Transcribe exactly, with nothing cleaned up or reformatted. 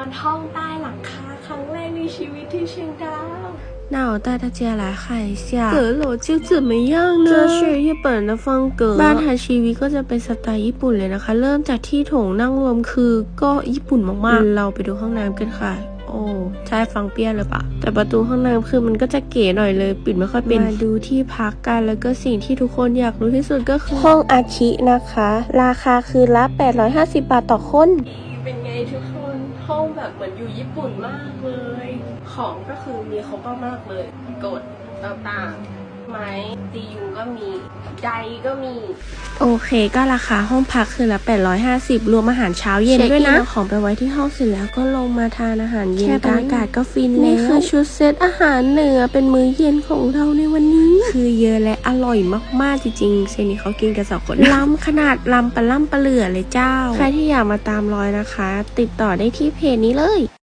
อนห้องใต้หลังคาครั้งแรกในชีวิตที่เชียงดาว那我带大家来看一下阁楼就怎么样呢这是日本的风格บ้านทางชีวิตก็จะเป็นสไตล์ญี่ปุ่นเลยนะคะเริ่มจากที่โถงนั่งรวมคือก็ญี่ปุ่นมากๆเราไปดูห้องน้ำกันค่ะโอ้ใช่ฟังเปี้ยเลยปะแต่ประตูห้องน้ำคือมันก็จะเก๋หน่อยเลยปิดไม่ค่อยเป็นมาดูที่พักกันแล้วก็สิ่งที่ทุกคนอยากรู้ที่สุดก็คือห้องอาคินะคะราคาคือละแปดร้อยห้าสิบบาทต่อคนเป็นไงทุกคนห้องแบบเหมือนอยู่ญี่ปุ่นมากเลยของก็คือมีครบมากเลยกดต่างๆไม้ตียุงก็มีไดก็มีโอเคก็ราคาห้องพักคือละแปดร้อยห้าสิบรวมอาหารเช้าเย็นด้วยนะของไปไว้ที่ห้องเสร็จแล้วก็ลงมาทานอาหารเย็นกันอากาศก็ฟินนี่คือชุดเซตอาหารเหนือเป็นมื้อเย็นของเราในวันนี้คือเยอะและอร่อยมากๆจริงๆเซนี่เขากินกันสองคนล้ำขนาดล้ำปลาล่ำปลาเหลือเลยเจ้าใครที่อยากมาตามรอยนะคะติดต่อได้ที่เพจนี้เลย